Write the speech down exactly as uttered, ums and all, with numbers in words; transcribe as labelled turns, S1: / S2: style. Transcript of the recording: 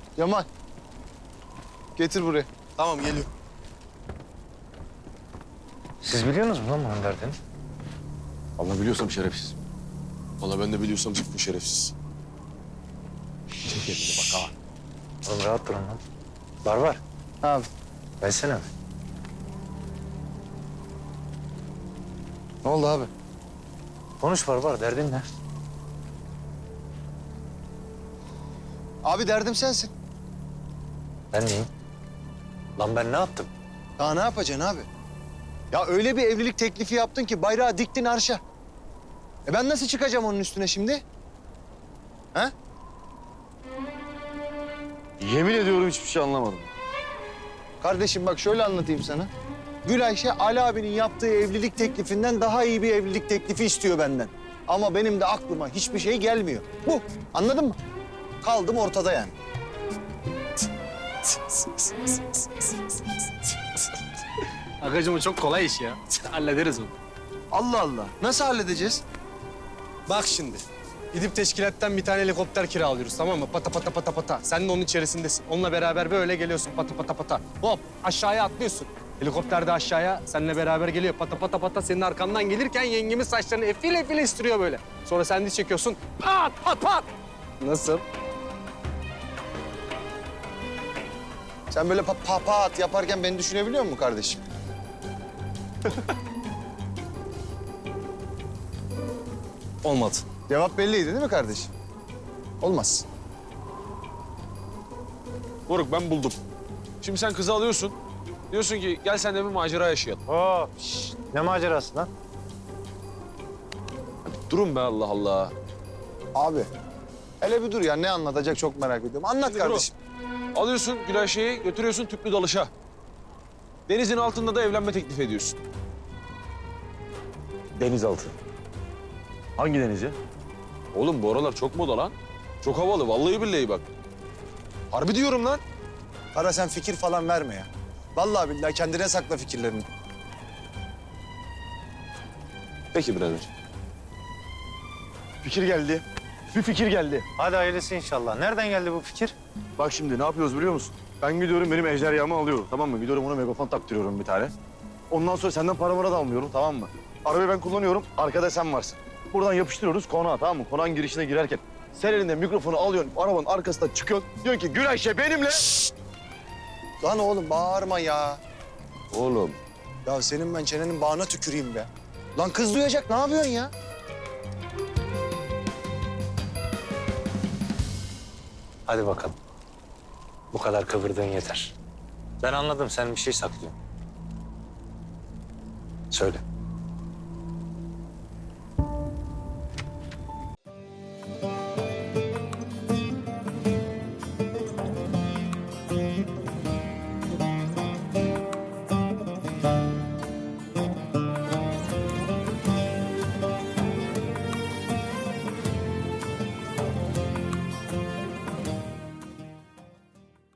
S1: Yaman. Getir buraya.
S2: Tamam geliyor.
S3: Siz biliyorsunuz mu lan bunun derdini?
S2: Allah biliyorsam şerefsiz. Vallahi ben de biliyorsam bu şerefsiz. Çek elini bak ha.
S3: Oğlum rahat durun lan. Var var.
S1: Abi.
S3: Versene abi.
S1: Ne oldu abi?
S3: Konuş var var. Derdin ne?
S1: Abi derdim sensin.
S3: Ben neyim? Lan ben ne yaptım?
S1: Daha ne yapacaksın abi? Ya öyle bir evlilik teklifi yaptın ki bayrağı diktin arşa. E ben nasıl çıkacağım onun üstüne şimdi? Ha?
S2: Yemin ediyorum hiçbir şey anlamadım.
S1: Kardeşim bak şöyle anlatayım sana. Gül Ayşe Ali abinin yaptığı evlilik teklifinden daha iyi bir evlilik teklifi istiyor benden. Ama benim de aklıma hiçbir şey gelmiyor. Bu. Anladın mı? Kaldım ortada yani.
S4: Agacım o çok kolay iş ya. Hallederiz onu.
S1: Allah Allah. Nasıl halledeceğiz?
S4: Bak şimdi. Gidip teşkilattan bir tane helikopter kiralıyoruz, tamam mı? Pata pata pata pata. Sen de onun içerisindesin. Onunla beraber böyle geliyorsun pata pata pata. Hop aşağıya atlıyorsun. Helikopter de aşağıya seninle beraber geliyor. Pata pata pata senin arkandan gelirken yengemin saçlarını efil efil estiriyor böyle. Sonra sen de çekiyorsun. Pat pat pat. Nasıl?
S1: Sen böyle pa pa pat yaparken beni düşünebiliyor musun kardeşim?
S4: Olmadı.
S1: Cevap belliydi değil mi kardeşim? Olmaz.
S2: Moruk ben buldum. Şimdi sen kızı alıyorsun. Diyorsun ki gel sen de bir macera yaşayalım.
S3: Oo, şşş. Ne macerası lan?
S2: Durun be Allah Allah.
S1: Abi hele bir dur ya, ne anlatacak çok merak ediyorum. Anlat
S2: Şimdi
S1: kardeşim.
S2: Alıyorsun Gülayşe'yi götürüyorsun tüplü dalışa. Denizin altında da evlenme teklif ediyorsun.
S5: Denizaltı. Hangi deniz ya?
S2: Oğlum bu aralar çok moda lan. Çok havalı vallahi billahi bak. Harbi diyorum lan.
S1: Ara sen fikir falan verme ya. Vallahi billahi kendine sakla fikirlerini.
S2: Peki birader.
S5: Fikir geldi. Bir fikir geldi.
S3: Hadi hayırlısı inşallah. Nereden geldi bu fikir?
S5: Bak şimdi ne yapıyoruz biliyor musun? Ben gidiyorum benim ejderhamı alıyorum, tamam mı? Gidiyorum ona megafon taktırıyorum bir tane. Ondan sonra senden para mara da almıyorum, tamam mı? Arabayı ben kullanıyorum, arkada sen varsın. Buradan yapıştırıyoruz konağa, tamam mı? Konağın girişine girerken sen elinde mikrofonu alıyorsun, arabanın arkasına çıkıyorsun. Diyorsun ki Gülayşe benimle.
S1: Lan oğlum bağırma ya.
S2: Oğlum.
S1: Ya senin ben çenenin bağına tüküreyim be. Lan kız duyacak, ne yapıyorsun ya?
S3: Hadi bakalım. Bu kadar kıvırdığın yeter. Ben anladım. Sen bir şey saklıyorsun. Söyle.